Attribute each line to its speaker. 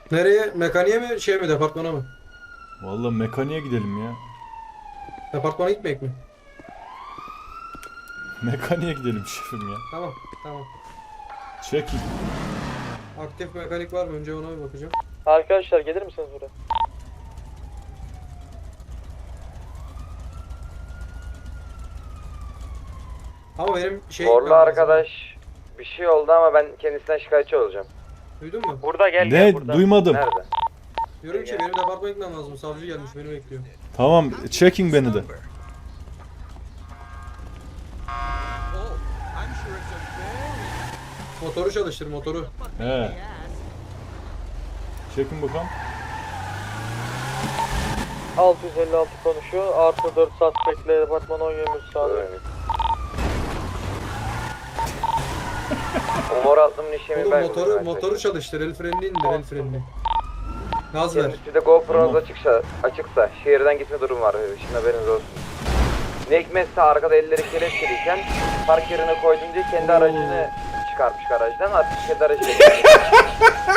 Speaker 1: Nereye? Mekaniğe mi şey mi departmana mı?
Speaker 2: Vallahi mekaniğe gidelim ya.
Speaker 1: Departmana gitmeyek mi?
Speaker 2: Mekaniğe gidelim şefim ya.
Speaker 1: Tamam tamam.
Speaker 2: Çekin.
Speaker 1: Aktif mekanik var mı? Önce ona bir bakacağım.
Speaker 3: Arkadaşlar gelir misiniz buraya?
Speaker 1: Ama benim şey
Speaker 4: Morlu
Speaker 1: gitmem lazım.
Speaker 4: arkadaş bir şey oldu ama ben kendisinden şikayetçi olacağım.
Speaker 1: Duydun mu?
Speaker 3: Burada gel
Speaker 2: Ne?
Speaker 3: gel burada.
Speaker 2: Duymadım.
Speaker 4: Nerede?
Speaker 1: Diyorum ki benim departmana gitmem lazım. Savcı gelmiş beni bekliyor.
Speaker 2: Tamam, çekin beni de.
Speaker 1: Motoru çalıştır motoru.
Speaker 2: He. Çekin bakalım.
Speaker 3: 656 konuşuyor. Artı 4 suspectle departman 10 23 sağlıyor.
Speaker 4: Umur atlımın işlemi
Speaker 1: Oğlum
Speaker 4: ben.
Speaker 1: motoru çalıştır. El frenini indir el frenini. Gaz ver.
Speaker 4: Kendisi de GoPro'nuz
Speaker 2: Tamam.
Speaker 4: açıksa şehirden gitme durum var. Şimdi haberiniz olsun. Ne hikmetse arkada elleri kelepçeliyken park yerine koydum diye kendi aracını çıkarmış garajdan, artık kendi aracıyla